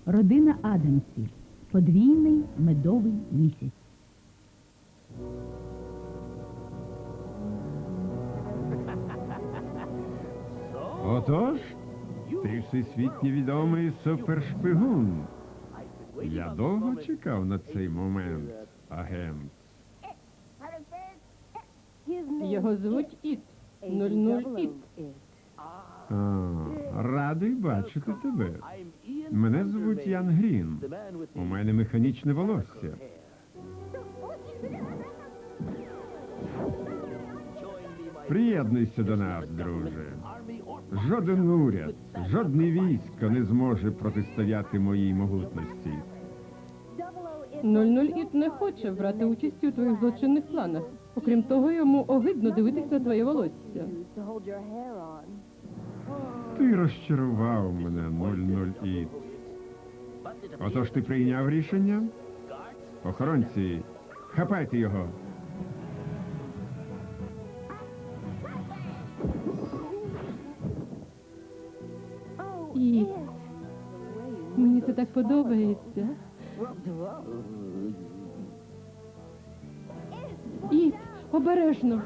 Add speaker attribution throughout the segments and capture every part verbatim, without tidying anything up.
Speaker 1: Родина Адамсів. Подвійний медовий місяць.
Speaker 2: Отож, ти всесвітньо відомий супершпигун. Я довго чекав на цей момент, агент.
Speaker 3: Його звуть Іт. нуль нуль Іт.
Speaker 2: А, радий бачити тебе. Мене звуть Ян Грін. У мене механічне волосся. Приєднуйся до нас, друже. Жоден уряд, жодне військо не зможе протистояти моїй могутності.
Speaker 3: нуль нуль Іт не хоче брати участь у твоїх злочинних планах. Окрім того, йому огидно дивитись на твоє волосся.
Speaker 2: Ти розчарував мене, нуль нуль Іт. Отож ти прийняв рішення? Охоронці, хапайте його.
Speaker 3: Іт. Мені це так подобається. Іт, обережно.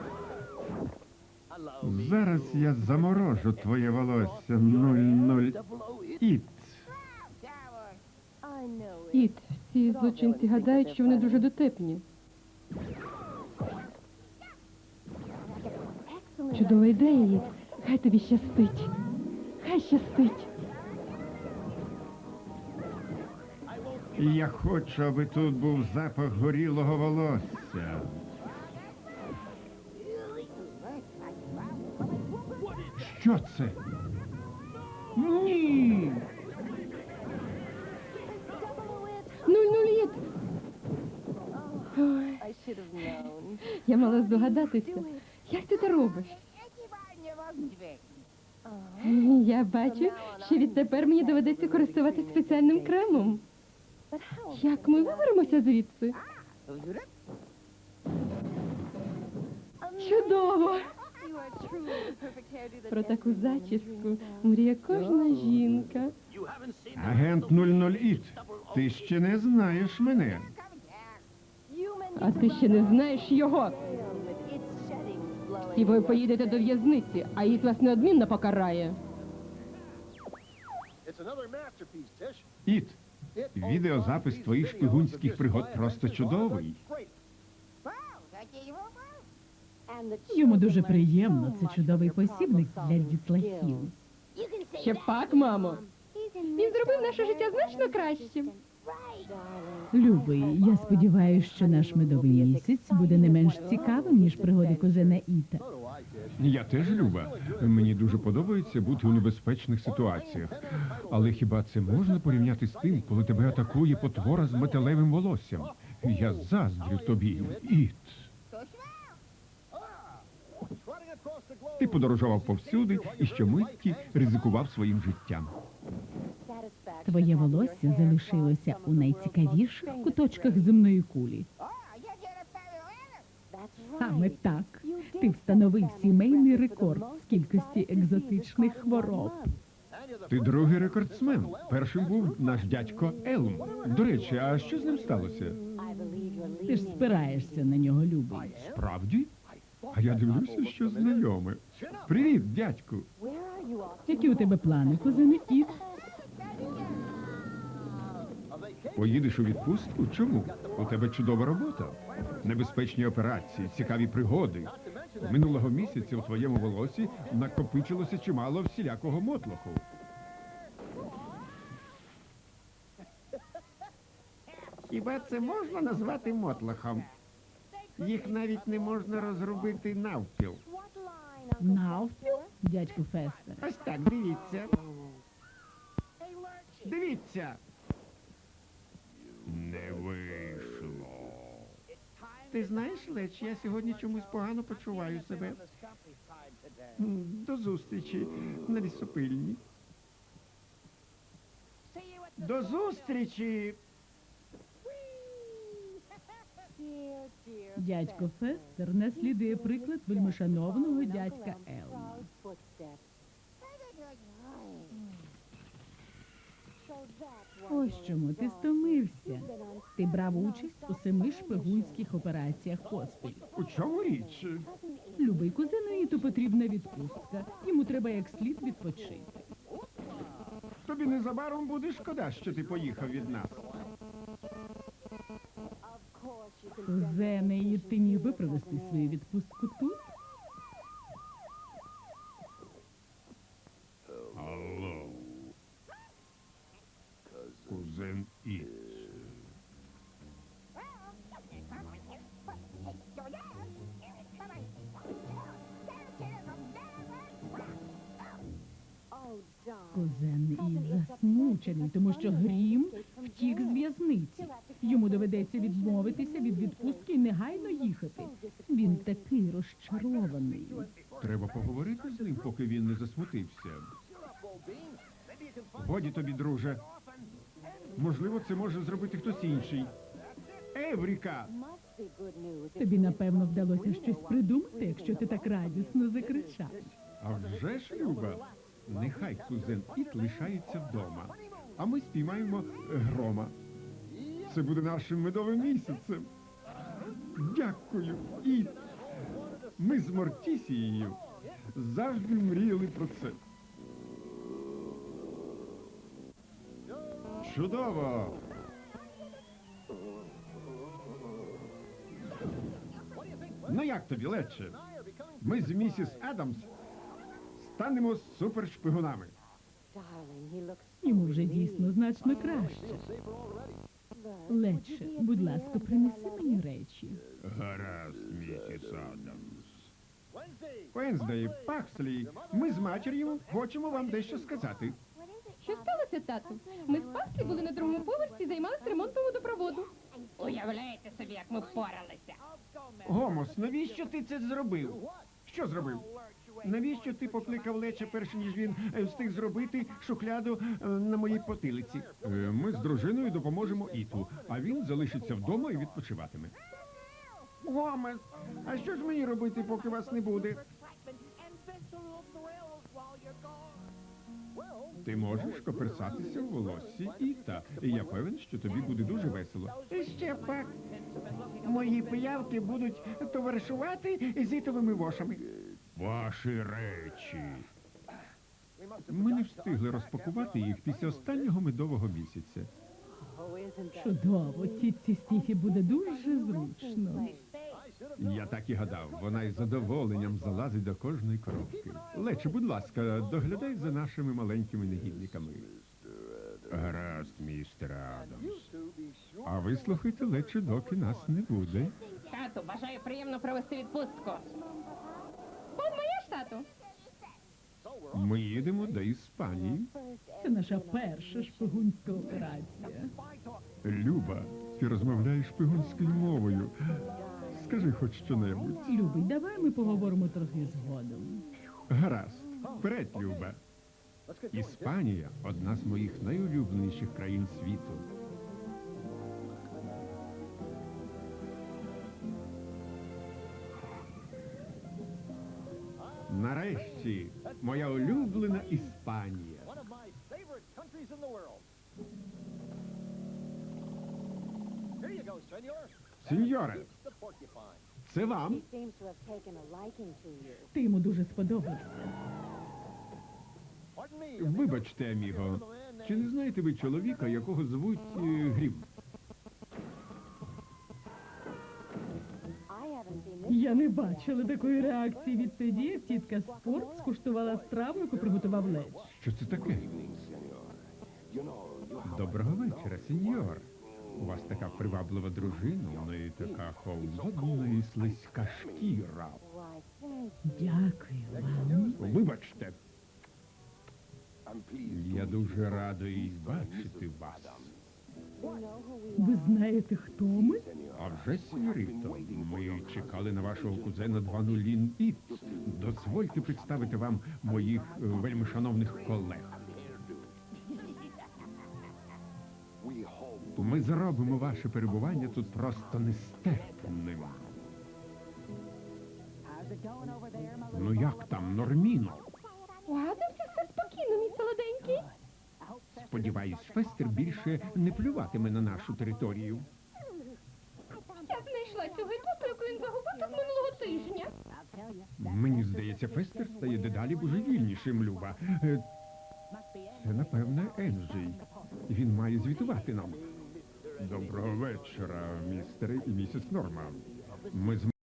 Speaker 2: Зараз я заморожу твоє волосся, нуль нуль Іт.
Speaker 3: Іт, ці злочинці гадають, що вони дуже дотепні. Чудова ідея, Іт. Хай тобі щастить. Хай щастить.
Speaker 2: Я хочу, аби тут був запах горілого волосся. Що це? Ні!
Speaker 3: нуль нуль Іт. Ой, я мала здогадатися. Як ти це робиш? Я бачу, що відтепер мені доведеться користуватися спеціальним кремом. Як ми виберемося звідси? Чудово! Про таку зачіску мріє кожна жінка.
Speaker 2: Агент нуль нуль Іт, ти ще не знаєш мене.
Speaker 3: А ти ще не знаєш його. І ви поїдете до в'язниці, а Іт вас неодмінно покарає.
Speaker 2: Іт, відеозапис твоїх шпигунських пригод просто чудовий.
Speaker 1: Йому дуже приємно. Це чудовий посібник для дітлахів.
Speaker 3: Ще пак, мамо. Він зробив наше життя значно кращим.
Speaker 1: Любий, я сподіваюся, що наш медовий місяць буде не менш цікавим, ніж пригоди кузена Іта.
Speaker 2: Я теж, Люба. Мені дуже подобається бути у небезпечних ситуаціях. Але хіба це можна порівняти з тим, коли тебе атакує потвора з металевим волоссям? Я заздрю тобі, Іт. Ти подорожував повсюди і щомитті ризикував своїм життям.
Speaker 1: Твоє волосся залишилося у найцікавіших куточках земної кулі. Саме так. Ти встановив сімейний рекорд з кількості екзотичних хвороб.
Speaker 2: Ти другий рекордсмен. Першим був наш дядько Елм. До речі, а що з ним сталося?
Speaker 1: Ти ж спираєшся на нього, любий.
Speaker 2: Справді? А я дивлюся, що знайоме. Привіт, дядьку.
Speaker 1: Які у тебе плани, кузене Іт?
Speaker 2: Поїдеш у відпустку? Чому? У тебе чудова робота. Небезпечні операції, цікаві пригоди. Минулого місяця у твоєму волосі накопичилося чимало всілякого мотлоху. Хіба це можна назвати мотлохом? Їх навіть не можна розробити навпіл.
Speaker 1: Навпіл, дядьку Фестер?
Speaker 2: Ось так, дивіться. Дивіться. Не вийшло. Ти знаєш, Леч, я сьогодні чомусь погано почуваю себе. М, До зустрічі на лісопильні. До зустрічі!
Speaker 1: Дядько Фестер наслідує приклад вельмишановного дядька Елма. Ось чому ти стомився. Ти брав участь у семи шпигунських операціях поспіль.
Speaker 2: У чому річ?
Speaker 1: Любий кузену Іту потрібна відпустка. Йому треба як слід відпочити.
Speaker 2: Тобі незабаром буде шкода, що ти поїхав від нас.
Speaker 1: Кузене Іт, ти міг би провести свою відпустку тут?
Speaker 2: Алло. Кузен Іт.
Speaker 1: Кузен Іт засмучений, тому що Грім втік з в'язниці. Йому доведеться відмовитися від відпустки і негайно їхати. Він такий розчарований.
Speaker 2: Треба поговорити з ним, поки він не засмутився. Годі тобі, друже. Можливо, це може зробити хтось інший. Евріка!
Speaker 1: Тобі, напевно, вдалося щось придумати, якщо ти так радісно закричав.
Speaker 2: А вже ж, Люба, нехай кузен Іт лишається вдома, а ми спіймаємо е, грома. Це буде нашим медовим місяцем. Дякую, Іт. Ми з Мортісією завжди мріяли про це. Чудово! Ну як тобі, Лече? Ми з місіс Адамс станемо супершпигунами.
Speaker 1: Йому вже дійсно значно краще. Лече, будь ласка, принеси мені речі.
Speaker 2: Гаразд, місіс Адамс. Венздей, Пакслі, ми з матір'ю хочемо вам дещо сказати.
Speaker 3: Що сталося, тату? Ми з Паслі були на другому поверсі і займалися ремонтом водопроводу.
Speaker 4: Уявляєте собі, як ми впоралися.
Speaker 2: Гомос, навіщо ти це зробив? Що зробив? Навіщо ти покликав Леча, перш ніж він е, встиг зробити шухляду е, на моїй потилиці? Ми з дружиною допоможемо Іту, а він залишиться вдома і відпочиватиме. Гомес, а що ж мені робити, поки вас не буде? Ти можеш коперсатися в волоссі Іта, і я певен, що тобі буде дуже весело. Ще пак. Мої пиявки будуть товаришувати з ітовими вошами. Ваші речі. Ми не встигли розпакувати їх після останнього медового місяця.
Speaker 1: Чудово, тітці Стіфі буде дуже зручно.
Speaker 2: Я так і гадав, вона із задоволенням залазить до кожної коробки. Лече, будь ласка, доглядай за нашими маленькими негідниками. Гаразд, містер Адамс. А ви слухайте, Лече, доки нас не буде.
Speaker 4: Тату, бажаю приємно провести відпустку.
Speaker 3: От моя ж, тату.
Speaker 2: Ми їдемо до Іспанії.
Speaker 1: Це наша перша шпигунська операція.
Speaker 2: Люба, ти розмовляєш шпигунською мовою. Скажи хоч що-небудь.
Speaker 1: Любий, давай ми поговоримо трохи згодом.
Speaker 2: Гаразд, вперед, Люба. Іспанія – одна з моїх найулюбленіших країн світу. Нарешті, моя улюблена Іспанія. Сеньоре, це вам.
Speaker 1: Ти йому дуже сподобався.
Speaker 2: Вибачте, аміго, чи не знаєте ви чоловіка, якого звуть е, Грім?
Speaker 1: Я не бачила такої реакції відтоді, як тітка Спорт скуштувала страву, яку приготував Леч.
Speaker 2: Що це таке? Доброго вечора, сеньор. У вас така приваблива дружина, у неї така холодна і слизька шкіра.
Speaker 1: Дякую вам.
Speaker 2: Вибачте. Я дуже радий бачити вас.
Speaker 1: Ви знаєте, хто ми?
Speaker 2: А вже, сеньоріто, ми чекали на вашого кузена два нулін Іт. Дозвольте представити вам моїх е, вельми шановних колег. Ми зробимо ваше перебування тут просто нестерпним. Ну як там, Норміно?
Speaker 3: У Адамсі все спокійно, мій солоденький.
Speaker 2: Сподіваюсь, Фестер більше не плюватиме на нашу територію.
Speaker 3: Я знайшла цього ідота, яку він загубив тут минулого тижня.
Speaker 2: Мені здається, Фестер стає дедалі божевільнішим, Люба. Е, Це, напевне, Енджій. Він має звітувати нам. Доброго вечора, містере і місіс Норман. Ми з